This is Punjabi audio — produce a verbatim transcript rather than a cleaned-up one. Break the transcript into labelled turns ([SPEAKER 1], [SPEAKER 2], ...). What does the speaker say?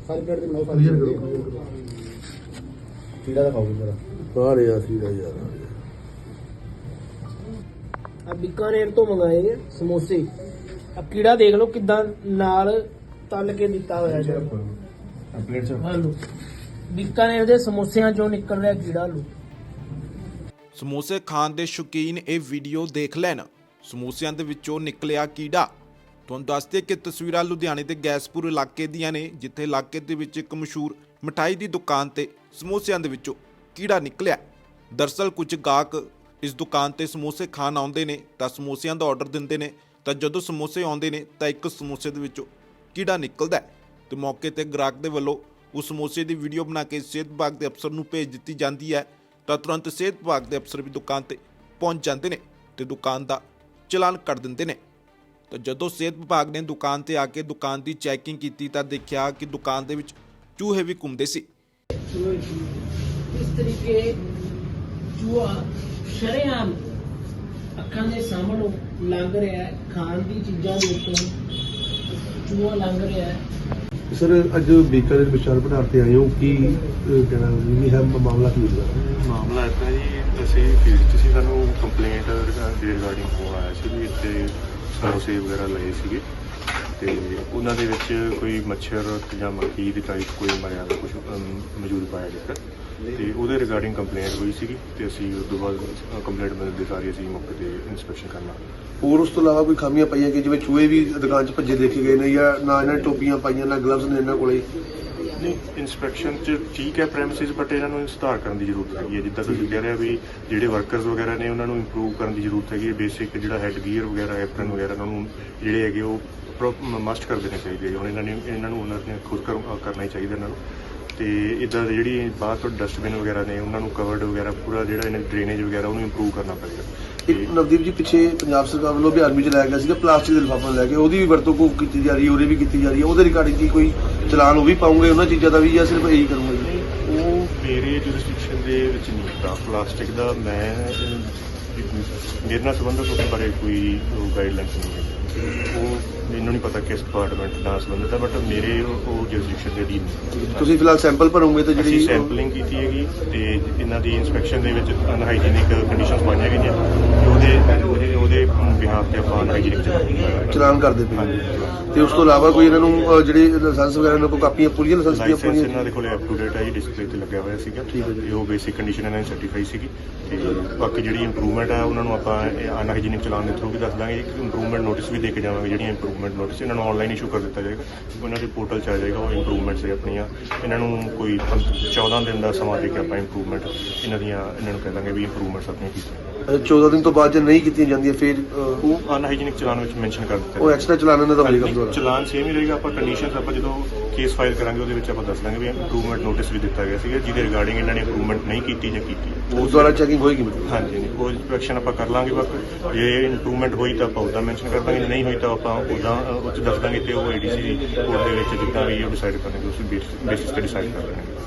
[SPEAKER 1] सारी प्लेट ते बनाओ सारी क्लियर करो कीड़ा दिखाओ जरा
[SPEAKER 2] सारे यार कीड़ा यार
[SPEAKER 3] अब बीकानेर तो मंगाए हैं समोसे। अब कीड़ा देख लो किदा नाल तल के दिता होया है।
[SPEAKER 1] प्लेट से
[SPEAKER 3] हालो बीकानेर दे समोसिਆਂ ਚੋਂ ਨਿਕਲ ਰਿਹਾ ਕੀੜਾ ਲੋ।
[SPEAKER 4] ਸਮੋਸੇ ਖਾਣ ਦੇ ਸ਼ੌਕੀਨ ਇਹ ਵੀਡੀਓ ਦੇਖ ਲੈਣ। ਸਮੋਸਿਆਂ ਦੇ ਵਿੱਚੋਂ ਨਿਕਲਿਆ ਕੀੜਾ। ਤੁਹਾਨੂੰ ਦੱਸਦੇ ਕਿ ਤਸਵੀਰਾਂ ਲੁਧਿਆਣੇ ਦੇ ਗੈਸਪੁਰ ਇਲਾਕੇ ਦੀਆਂ ਨੇ, ਜਿੱਥੇ ਇਲਾਕੇ ਦੇ ਵਿੱਚ ਇੱਕ ਮਸ਼ਹੂਰ ਮਠਾਈ ਦੀ ਦੁਕਾਨ ਤੇ ਸਮੋਸਿਆਂ ਦੇ ਵਿੱਚੋਂ ਕੀੜਾ ਨਿਕਲਿਆ। ਦਰਅਸਲ ਕੁਝ ਗਾਹਕ ਇਸ ਦੁਕਾਨ ਤੇ ਸਮੋਸੇ ਖਾਣ ਆਉਂਦੇ ਨੇ ਤਾਂ ਸਮੋਸਿਆਂ ਦਾ ਆਰਡਰ ਦਿੰਦੇ ਨੇ, ਤਾਂ ਜਦੋਂ ਸਮੋਸੇ ਆਉਂਦੇ ਨੇ ਤਾਂ ਇੱਕ ਸਮੋਸੇ ਦੇ ਵਿੱਚੋਂ ਕੀੜਾ ਨਿਕਲਦਾ ਤੇ ਮੌਕੇ ਤੇ ਗ੍ਰਾਹਕ ਦੇ ਵੱਲੋਂ ਉਸ ਸਮੋਸੇ ਦੀ ਵੀਡੀਓ ਬਣਾ ਕੇ ਸਿਹਤ ਵਿਭਾਗ ਦੇ ਅਫਸਰ ਨੂੰ ਭੇਜ ਦਿੱਤੀ ਜਾਂਦੀ ਹੈ। ਤਾਂ ਤੁਰੰਤ ਸਿਹਤ ਵਿਭਾਗ ਦੇ ਅਫਸਰ ਵੀ ਦੁਕਾਨ ਤੇ ਪਹੁੰਚ ਜਾਂਦੇ ਨੇ ਤੇ ਦੁਕਾਨ ਦਾ ਚਲਾਨ ਕਰ ਦਿੰਦੇ ਨੇ। ਤਾਂ ਜਦੋਂ ਸਿਹਤ ਵਿਭਾਗ ਨੇ ਦੁਕਾਨ ਤੇ ਆ ਕੇ ਦੁਕਾਨ ਦੀ ਚੈਕਿੰਗ ਕੀਤੀ ਤਾਂ ਦੇਖਿਆ ਕਿ ਦੁਕਾਨ ਦੇ ਵਿੱਚ ਚੂਹੇ ਵੀ ਘੁੰਮਦੇ ਸੀ।
[SPEAKER 3] ਇਸ ਤਰੀਕੇ ਚੂਹਾ ਸ਼ਰੇਆਮ ਅੱਖਾਂ ਦੇ ਸਾਹਮਣੋਂ ਲੰਘ ਰਿਹਾ ਹੈ। ਖਾਣ ਦੀ ਚੀਜ਼ਾਂ ਦੇ ਉੱਤੋਂ ਚੂਹਾ ਲੰਘ ਰਿਹਾ ਹੈ।
[SPEAKER 2] सर अज बीकानेर विशाल भंडार से आए हो कि कहना भी है मामला की है?
[SPEAKER 5] ਮਾਮਲਾ ਇੱਦਾਂ ਜੀ, ਅਸੀਂ ਫੀਲਡ 'ਚ ਸੀ, ਸਾਨੂੰ ਕੰਪਲੇਂਟ ਦੇ ਰਿਗਾਰਡਿੰਗ ਫੋਨ ਆਇਆ ਸੀ ਵੀ ਇੱਥੇ ਸਮੋਸੇ ਵਗੈਰਾ ਲਏ ਸੀਗੇ ਤੇ ਉਹਨਾਂ ਦੇ ਵਿੱਚ ਕੋਈ ਮੱਛਰ ਜਾਂ ਮੱਖੀ ਦੀ ਟਾਈਪ ਕੋਈ ਮਰਿਆ ਦਾ ਕੁਝ ਮੌਜੂਦ ਪਾਇਆ ਗਿਆ ਤੇ ਉਹਦੇ ਰਿਗਾਰਡਿੰਗ ਕੰਪਲੇਂਟ ਹੋਈ ਸੀਗੀ ਤੇ ਅਸੀਂ ਉਸ ਤੋਂ ਬਾਅਦ ਕੰਪਲੇਂਟ ਮਿਲਣ ਦੇ ਸਾਰੀ ਅਸੀਂ ਮੌਕੇ ਤੇ ਇਨਸਪੈਕਸ਼ਨ ਕਰਨਾ।
[SPEAKER 2] ਹੋਰ ਉਸ ਤੋਂ ਇਲਾਵਾ ਕੋਈ ਖਾਮੀਆਂ ਪਾਈਆਂ ਕਿ ਜਿਵੇਂ ਚੂਹੇ ਵੀ ਦੁਕਾਨ 'ਚ ਭੱਜੇ ਦੇਖੇ ਗਏ ਨੇ ਜਾਂ ਨਾ ਇਹਨਾਂ ਨੇ ਟੋਪੀਆਂ ਪਾਈਆਂ ਨਾ ਗਲਵਜ਼ ਨੇ ਇਹਨਾਂ ਕੋਲੇ?
[SPEAKER 5] ਨਹੀਂ, ਇਨਸਪੈਕਸ਼ਨ 'ਚ ਠੀਕ ਹੈ ਪ੍ਰੈਮਿਸਿਸ, ਬਟ ਇਹਨਾਂ ਨੂੰ ਸੁਧਾਰ ਕਰਨ ਦੀ ਜ਼ਰੂਰਤ ਹੈਗੀ ਹੈ। ਜਿੱਦਾਂ ਤੁਸੀਂ ਕਹਿ ਰਹੇ ਹੋ ਵੀ ਜਿਹੜੇ ਵਰਕਰਸ ਵਗੈਰਾ ਨੇ ਉਹਨਾਂ ਨੂੰ ਇੰਪਰੂਵ ਕਰਨ ਦੀ ਜ਼ਰੂਰਤ ਹੈਗੀ ਹੈ। ਬੇਸਿਕ ਜਿਹੜਾ ਹੈਡ ਗੀਅਰ ਵਗੈਰਾ ਐਪਰਨ ਵਗੈਰਾ ਉਹਨਾਂ ਨੂੰ ਜਿਹੜੇ ਹੈਗੇ ਉਹ ਮਸਟ ਕਰ ਦੇਣੇ ਚਾਹੀਦੇ। ਹੁਣ ਇਹਨਾਂ ਨੇ ਇਹਨਾਂ ਨੂੰ ਉਹਨਾਂ ਨੇ ਖੁਦ ਕਰਨਾ ਹੀ ਚਾਹੀਦਾ ਇਹਨਾਂ ਨੂੰ। ਤੇ ਇੱਦਾਂ ਦੀ ਜਿਹੜੀ ਬਾਹਰ ਤੋਂ ਡਸਟਬਿਨ ਵਗੈਰਾ ਨੇ ਉਹਨਾਂ ਨੂੰ ਕਵਰਡ ਵਗੈਰਾ ਪੂਰਾ ਜਿਹੜਾ ਇਹਨਾਂ ਡਰੇਨੇਜ ਵਗੈਰਾ ਉਹਨੂੰ ਇੰਪਰੂਵ ਕਰਨਾ ਪਏਗਾ।
[SPEAKER 2] ਇੱਕ ਨਵਦੀਪ ਜੀ ਪਿੱਛੇ ਪੰਜਾਬ ਸਰਕਾਰ ਵੱਲੋਂ ਵੀ ਆਰਮੀ 'ਚ ਲਾਇਆ ਗਿਆ ਸੀਗਾ ਪਲਾਸਟਿਕ ਦੇ ਲਿਫਾਫੇ ਲੈ ਕੇ, ਉਹਦੀ ਵੀ ਵਰਤੋਂ ਕੋ ਕੀਤੀ ਜਾ ਰਹੀ ਹੈ, ਉਹਦੇ ਵੀ ਕੀਤੀ ਜਾ ਰਹੀ ਹੈ। ਉਹਦੇ ਰਿਗਾਰਡਿੰਗ ਕੀ ਕੋਈ ਚਲਾਨ ਉਹ ਵੀ ਪਾਉਂਗੇ ਉਹਨਾਂ ਚੀਜ਼ਾਂ ਦਾ ਵੀ ਜਾਂ ਸਿਰਫ ਇਹੀ ਕਰੂੰਗੇ ਜੀ?
[SPEAKER 5] ਉਹ ਮੇਰੇ ਜੁਰਿਸਡਿਕਸ਼ਨ ਦੇ ਵਿੱਚ ਨਹੀਂ ਹੁੰਦਾ ਪਲਾਸਟਿਕ ਦਾ। ਮੈਂ ਮੇਰੇ ਨਾਲ ਸੰਬੰਧਿਤ ਉਸ ਬਾਰੇ ਕੋਈ ਗਾਈਡਲਾਈਨਸ ਨਹੀਂ ਹੈ। ਉਹ ਮੈਨੂੰ ਨਹੀਂ ਪਤਾ ਕਿਸ ਡਿਪਾਰਟਮੈਂਟ ਨਾਲ ਸੰਬੰਧਿਤ ਹੈ, ਬਟ ਮੇਰੇ ਉਹ ਜੁਰਿਸਡਿਕਸ਼ਨ ਦੇ ਅਧੀਨ ਨਹੀਂ।
[SPEAKER 2] ਤੁਸੀਂ ਫਿਲਹਾਲ ਸੈਂਪਲ ਭਰੋਗੇ ਤੇ ਜਿਹੜੀ
[SPEAKER 5] ਸੈਂਪਲਿੰਗ ਕੀਤੀ ਹੈਗੀ ਤੇ ਇਹਨਾਂ ਦੀ ਇਨਸਪੈਕਸ਼ਨ ਦੇ ਵਿੱਚ ਅਨਹਾਈਜੀਨਿਕ ਕੰਡੀਸ਼ਨਸ ਪਾਈਆਂ ਗਈਆਂ ਤੇ ਉਹਦੇ ਉਹਦੇ ਉਹਦੇ ਬਿਹਾਫ ਤੇ ਆਪਾਂ ਅਨਹਾਈਜੀਨਿਕ
[SPEAKER 2] ਚਲਾਨ ਕਰਦੇ ਪਏ ਤੇ ਉਸ ਤੋਂ ਇਲਾਵਾ ਕੋਈ ਇਹਨਾਂ ਨੂੰ ਜਿਹੜੇ ਲਾਇਸੈਂਸ ਵਗੈਰਾ ਇਹਨਾਂ ਕੋਲ ਕਾਪੀਆਂ ਪੂਰੀਆਂ ਲਾਇਸੈਂਸ ਦੀਆਂ
[SPEAKER 5] ਲਾਇਸੈਂਸ ਇਹਨਾਂ ਦੇ ਕੋਲ ਅਪ ਟੂ ਡੇਟ ਹੈ ਜੀ, ਡਿਸਪਲੇ ਤੇ ਲੱਗਿਆ ਹੋਇਆ ਸੀਗਾ ਤੇ ਉਹ ਬੇਸਿਕ ਕੰਡੀਸ਼ਨ ਇਹਨਾਂ ਨੇ ਸਰਟੀਫਾਈ ਸੀਗੀ। ਤੇ ਬਾਕੀ ਜਿਹੜੀ ਇੰਪਰੂਵਮੈਂਟ ਹੈ ਉਹਨਾਂ ਨੂੰ ਆਪਾਂ ਅਨਹਾਈਜੀਨਿਕ ਚਲਾਨ ਦੇ ਥਰੂ ਵੀ ਦੱਸ ਦਾਂਗੇ। ਇੱਕ ਇੰਪਰੂਵਮੈਂਟ ਨੋਟਿਸ ਵੀ ਦੇ ਕੇ ਜਾਵਾਂਗੇ। ਜਿਹੜੀਆਂ ਇੰਪਰੂਵਮੈਂਟ ਨੋਟਿਸ ਇਹਨਾਂ ਨੂੰ ਆਨਲਾਈਨ ਇਸ਼ੂ ਕਰ ਦਿੱਤਾ ਜਾਏਗਾ, ਉਹਨਾਂ ਦੇ ਪੋਰਟਲ 'ਚ ਆ ਜਾਏਗਾ ਉਹ ਇੰਪਰੂਵਮੈਂਟਸ ਹੈ ਆਪਣੀਆਂ। ਇਹਨਾਂ ਨੂੰ ਕੋਈ ਚੌਦਾਂ ਦਿਨ ਦਾ ਸਮਾਂ ਦੇ ਕੇ ਆਪਾਂ ਇੰਪਰੂਵਮੈਂਟ ਇਹਨਾਂ ਦੀਆਂ ਇਹਨਾਂ ਨੂੰ ਕਹਿ ਦਾਂਗੇ ਵੀ ਇੰਪਰੂਵਮੈਂਟਸ ਆਪਣੀਆਂ ਕੀਤੀਆਂ।
[SPEAKER 2] ਚੌਦਾਂ ਦਿਨ ਤੋਂ ਬਾਅਦ ਜੇ ਨਹੀਂ ਕੀਤੀਆਂ ਜਾਂਦੀਆਂ ਫਿਰ
[SPEAKER 5] ਉਹ ਅਨਹਾਈਜੀਨਿਕ ਚਲਾਨ ਵਿੱਚ ਮੈਂਸ਼ਨ ਕਰ ਦਿੱਤਾ
[SPEAKER 2] ਉਹ ਐਕਸਟਰਾ ਚਲਾਨ ਇਹਨਾਂ ਦਾ ਹੋਏਗਾ।
[SPEAKER 5] ਚਲਾਨ ਸੇਮ ਹੀ ਰਹੇਗਾ। ਆਪਾਂ ਕੰਡੀਸ਼ਨਸ ਆਪਾਂ ਜਦੋਂ ਕੇਸ ਫਾਈਲ ਕਰਾਂਗੇ ਉਹਦੇ ਵਿੱਚ ਆਪਾਂ ਦੱਸ ਦਾਂਗੇ ਵੀ ਇੰਪਰੂਵਮੈਂਟ ਨੋਟਿਸ ਵੀ ਦਿੱਤਾ ਗਿਆ ਸੀਗਾ ਜਿਹਦੇ ਰਿਗਾਰਡਿੰਗ ਇਹਨਾਂ ਨੇ ਇੰਪਰੂਵਮੈਂਟ ਨਹੀਂ ਕੀਤੀ ਜਾਂ ਕੀਤੀ
[SPEAKER 2] ਉਸ ਦੁਆਰਾ ਚੈਕਿੰਗ ਹੋਏਗੀ ਮਤਲਬ?
[SPEAKER 5] ਹਾਂਜੀ, ਨਹੀਂ ਉਹ ਇਨਸਪੈਕਸ਼ਨ ਆਪਾਂ ਕਰ ਲਾਂਗੇ। ਬਾਕੀ ਜੇ ਇੰਪਰੂਵਮੈਂਟ ਹੋਈ ਤਾਂ ਆਪਾਂ ਉੱਦਾਂ ਮੈਂਸ਼ਨ ਕਰ ਦਾਂਗੇ, ਨਹੀਂ ਹੋਈ ਤਾਂ ਆਪਾਂ ਉੱਦਾਂ ਉਹ 'ਚ ਦੱਸ ਦਾਂਗੇ ਤੇ ਉਹ ਏਡੀਸੀ ਕੋਰਟ ਦੇ ਵਿੱਚ ਜਿੱਦਾਂ ਵੀ ਉਹ ਡਿਸਾਈਡ ਕਰਨਗੇ ਉਸ ਬੇਸਿਸ ਤੇ ਡਿਸਾਈਡ ਕਰ ਲੈਣਗੇ।